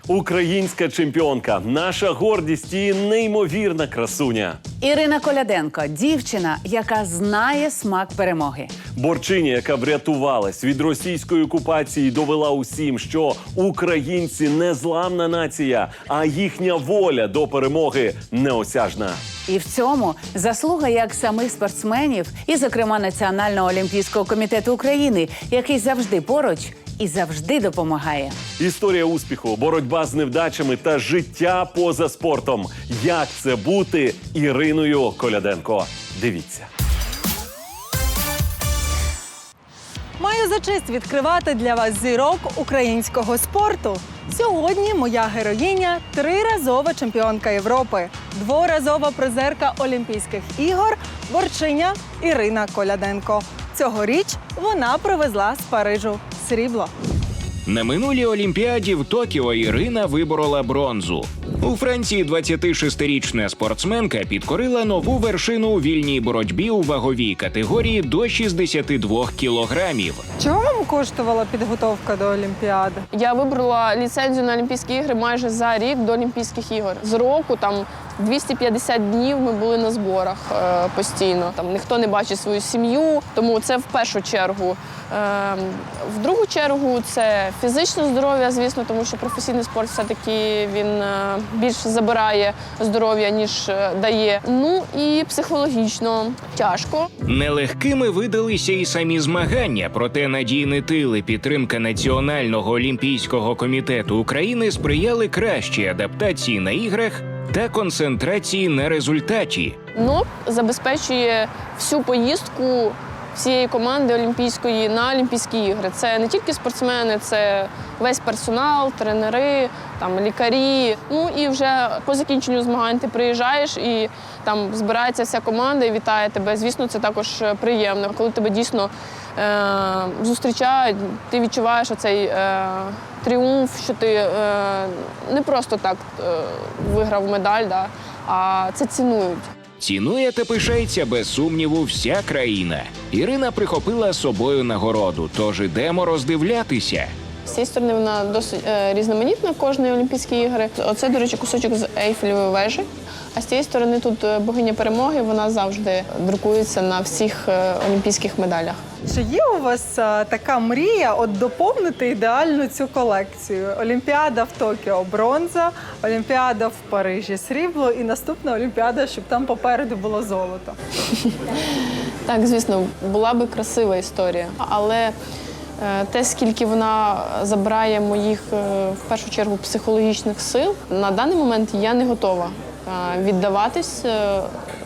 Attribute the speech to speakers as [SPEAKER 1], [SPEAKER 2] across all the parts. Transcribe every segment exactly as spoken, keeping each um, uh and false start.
[SPEAKER 1] Українська чемпіонка, наша гордість і неймовірна красуня.
[SPEAKER 2] Ірина Коляденко – дівчина, яка знає смак перемоги.
[SPEAKER 1] Борчиня, яка врятувалась від російської окупації, довела усім, що українці – не зламна нація, а їхня воля до перемоги неосяжна.
[SPEAKER 2] І в цьому заслуга як самих спортсменів і, зокрема, Національного олімпійського комітету України, який завжди поруч і завжди допомагає.
[SPEAKER 1] Історія успіху, боротьба з невдачами та життя поза спортом. Як це бути Іриною Коляденко? Дивіться.
[SPEAKER 3] Маю за честь відкривати для вас зірок українського спорту. Сьогодні моя героїня – триразова чемпіонка Європи, дворазова призерка Олімпійських ігор, борчиня Ірина Коляденко. Цьогоріч вона привезла з Парижу срібло.
[SPEAKER 4] На минулій Олімпіаді в Токіо Ірина виборола бронзу. У Франції двадцятишестирічна спортсменка підкорила нову вершину у вільній боротьбі у ваговій категорії до шістдесят два кілограмів.
[SPEAKER 3] Чого вам коштувала підготовка до Олімпіади?
[SPEAKER 5] Я вибрала ліцензію на Олімпійські ігри майже за рік до Олімпійських ігор. З року там двісті п'ятдесят днів ми були на зборах е, постійно. Там ніхто не бачить свою сім'ю, тому це в першу чергу. Е, в другу чергу це фізичне здоров'я, звісно, тому що професійний спорт все-таки він е, більше забирає здоров'я, ніж е, дає. Ну і психологічно тяжко.
[SPEAKER 4] Нелегкими видалися і самі змагання, проте надійний тил і підтримка Національного олімпійського комітету України сприяли кращій адаптації на іграх та концентрації на результаті.
[SPEAKER 5] НОП забезпечує всю поїздку всієї команди олімпійської на Олімпійські ігри. Це не тільки спортсмени, це весь персонал, тренери, там, лікарі. Ну і вже по закінченню змагань ти приїжджаєш і там збирається вся команда і вітає тебе. Звісно, це також приємно. Коли тебе дійсно е- зустрічають, ти відчуваєш оцей е- тріумф, що ти е- не просто так е- виграв медаль, да, а це цінують.
[SPEAKER 4] Цінує та пишається без сумніву вся країна. Ірина прихопила з собою нагороду, тож ідемо роздивлятися.
[SPEAKER 5] З цієї сторони вона досить е, різноманітна, кожної Олімпійські ігри. Оце, до речі, кусочок з Ейфелевої вежі. А з цієї сторони тут богиня перемоги, вона завжди друкується на всіх е, олімпійських медалях.
[SPEAKER 3] Чи є у вас а, така мрія от доповнити ідеально цю колекцію? Олімпіада в Токіо – бронза, Олімпіада в Парижі – срібло і наступна Олімпіада, щоб там попереду було золото.
[SPEAKER 5] Так, звісно, була би красива історія, але е, те, скільки вона забирає моїх, е, в першу чергу, психологічних сил, на даний момент я не готова е, віддаватись е,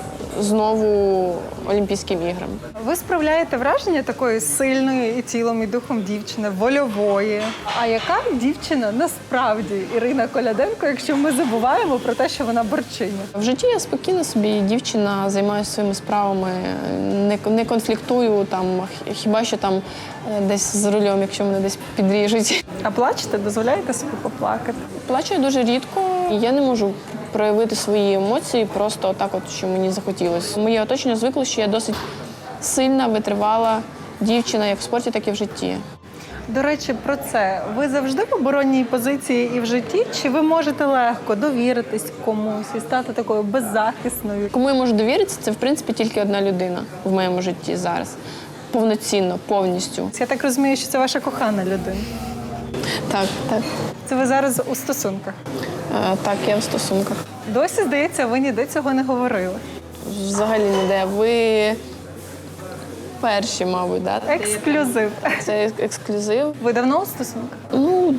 [SPEAKER 5] знову Олімпійським іграм.
[SPEAKER 3] Ви справляєте враження такої сильної і тілом, і духом дівчини, вольової. А яка дівчина насправді Ірина Коляденко, якщо ми забуваємо про те, що вона борчиня?
[SPEAKER 5] В житті я спокійна собі дівчина, займаюся своїми справами, не, не конфліктую, там, хіба що там десь за рулем, якщо мене десь підріжуть.
[SPEAKER 3] А плачете? Дозволяєте собі поплакати?
[SPEAKER 5] Плачу я дуже рідко, і я не можу проявити свої емоції просто так, от, що мені захотілося. Моє оточення звикло, що я досить сильна, витривала дівчина як в спорті, так і в житті.
[SPEAKER 3] До речі, про це. Ви завжди в оборонній позиції і в житті? Чи ви можете легко довіритись комусь і стати такою беззахисною?
[SPEAKER 5] Кому я можу довіритися, це, в принципі, тільки одна людина в моєму житті зараз. Повноцінно, повністю.
[SPEAKER 3] Я так розумію, що це ваша кохана людина.
[SPEAKER 5] Так, так.
[SPEAKER 3] Це ви зараз у стосунках?
[SPEAKER 5] Е, так, я в стосунках.
[SPEAKER 3] Досі, здається, ви ніде цього не говорили.
[SPEAKER 5] Взагалі ніде. Ви перші, мабуть, да?
[SPEAKER 3] Ексклюзив.
[SPEAKER 5] Це ексклюзив.
[SPEAKER 3] Ви давно у стосунках?
[SPEAKER 5] Ну,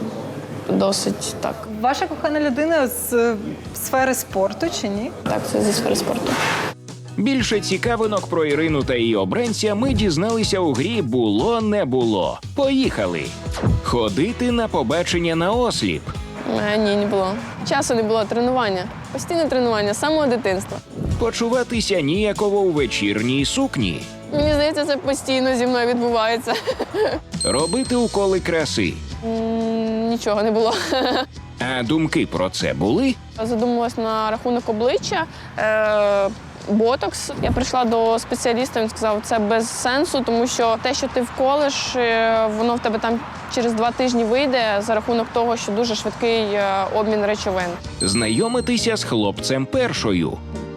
[SPEAKER 5] досить так.
[SPEAKER 3] Ваша кохана людина з сфери спорту чи ні?
[SPEAKER 5] Так, це зі сфери спорту.
[SPEAKER 4] Більше цікавинок про Ірину та її обранця ми дізналися у грі «Було-не було». Поїхали! Ходити на побачення на осліп.
[SPEAKER 5] Е, ні, не було. Часу не було, тренування. Постійне тренування, з самого дитинства.
[SPEAKER 4] Почуватися ніяково у вечірній сукні.
[SPEAKER 5] Мені здається, це постійно зі мною відбувається.
[SPEAKER 4] Робити уколи краси.
[SPEAKER 5] М, Нічого не було.
[SPEAKER 4] А думки про це були?
[SPEAKER 5] Задумалась на рахунок обличчя. Е, ботокс. Я прийшла до спеціаліста, він сказав, це без сенсу, тому що те, що ти вколиш, е, воно в тебе там через два тижні вийде за рахунок того, що дуже швидкий е, обмін речовин.
[SPEAKER 4] Знайомитися з хлопцем першою.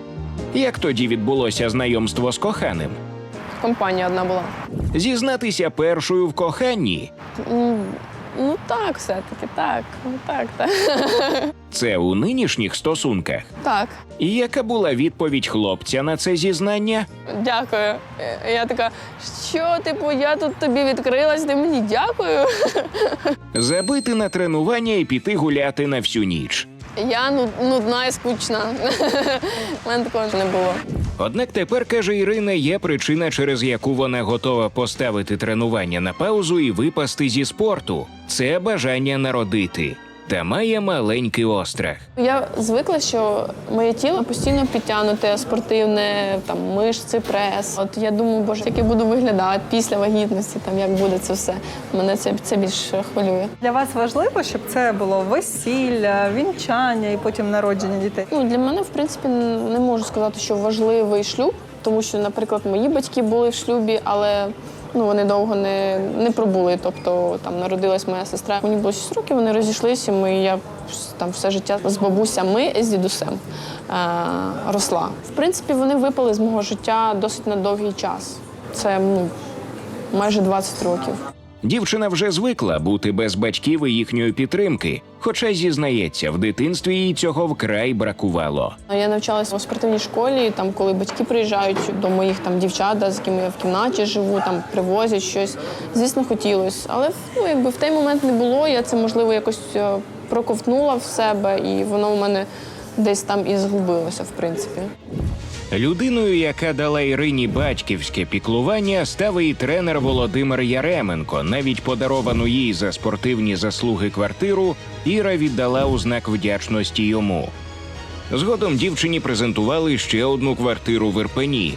[SPEAKER 4] Як тоді відбулося знайомство з коханим?
[SPEAKER 5] Компанія одна була.
[SPEAKER 4] Зізнатися першою в коханні.
[SPEAKER 5] Ну, ну так, все-таки, так. Ну, так, так.
[SPEAKER 4] Це у нинішніх стосунках.
[SPEAKER 5] Так.
[SPEAKER 4] І яка була відповідь хлопця на це зізнання?
[SPEAKER 5] Дякую. Е, Я така, що, типу, я тут тобі відкрилась, ти мені дякую.
[SPEAKER 4] Забити на тренування і піти гуляти на всю ніч.
[SPEAKER 5] Я ну- нудна і скучна. У мене такого не було.
[SPEAKER 4] Однак тепер, каже Ірина, є причина, через яку вона готова поставити тренування на паузу і випасти зі спорту. Це бажання народити. Та має маленький острах.
[SPEAKER 5] Я звикла, що моє тіло постійно підтягнуте, спортивне, там, мишці, прес. От я думаю, боже, як я буду виглядати після вагітності, там, як буде це все. Мене це, це більш хвилює.
[SPEAKER 3] Для вас важливо, щоб це було весілля, вінчання і потім народження дітей?
[SPEAKER 5] Ну, для мене, в принципі, не можу сказати, що важливий шлюб, тому що, наприклад, мої батьки були в шлюбі, але ну, вони довго не, не пробули. Тобто там народилась моя сестра. Мені було шість років, вони розійшлися, ми, я там все життя з бабусями, з дідусем е, росла. В принципі, вони випали з мого життя досить на довгий час. Це ну, майже двадцять років.
[SPEAKER 4] Дівчина вже звикла бути без батьків і їхньої підтримки, хоча зізнається, в дитинстві їй цього вкрай бракувало.
[SPEAKER 5] Я навчалася у спортивній школі, там, коли батьки приїжджають до моїх там, дівчат, да, з якими я в кімнаті живу, там, привозять щось. Звісно, хотілося. Але ну, якби в той момент не було, я це, можливо, якось е, проковтнула в себе, і воно у мене десь там і згубилося, в принципі.
[SPEAKER 4] Людиною, яка дала Ірині батьківське піклування, став і тренер Володимир Яременко. Навіть подаровану їй за спортивні заслуги квартиру Іра віддала у знак вдячності йому. Згодом дівчині презентували ще одну квартиру в Ірпені.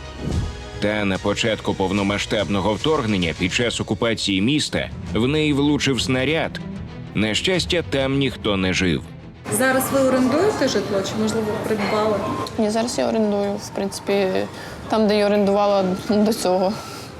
[SPEAKER 4] Та на початку повномасштабного вторгнення під час окупації міста в неї влучив снаряд. На щастя, там ніхто не жив.
[SPEAKER 3] Зараз ви орендуєте житло чи, можливо, придбали?
[SPEAKER 5] Ні, зараз я орендую, в принципі, там, де я орендувала до цього.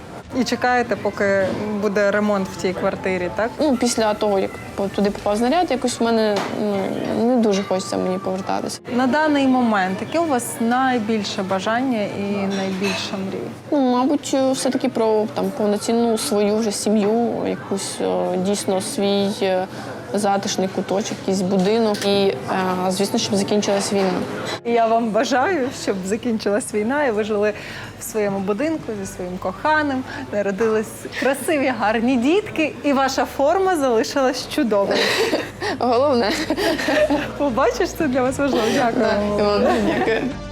[SPEAKER 3] І чекаєте, поки буде ремонт в тій квартирі, так?
[SPEAKER 5] Ну, після того, як туди попав снаряд, якось в мене ну, не дуже хочеться мені повертатися.
[SPEAKER 3] На даний момент, яке у вас найбільше бажання і найбільша мрія?
[SPEAKER 5] Ну, мабуть, все-таки про там, повноцінну свою вже сім'ю, якусь о, дійсно свій е, затишний куточок, якийсь будинок. І, е, звісно, щоб закінчилась війна.
[SPEAKER 3] І я вам бажаю, щоб закінчилась війна і ви жили в своєму будинку зі своїм коханим, народились красиві, гарні дітки, і ваша форма залишилась чудовою.
[SPEAKER 5] Головне.
[SPEAKER 3] Побачиш, це для вас важливо. Дякую.
[SPEAKER 5] Да, і вам дякую.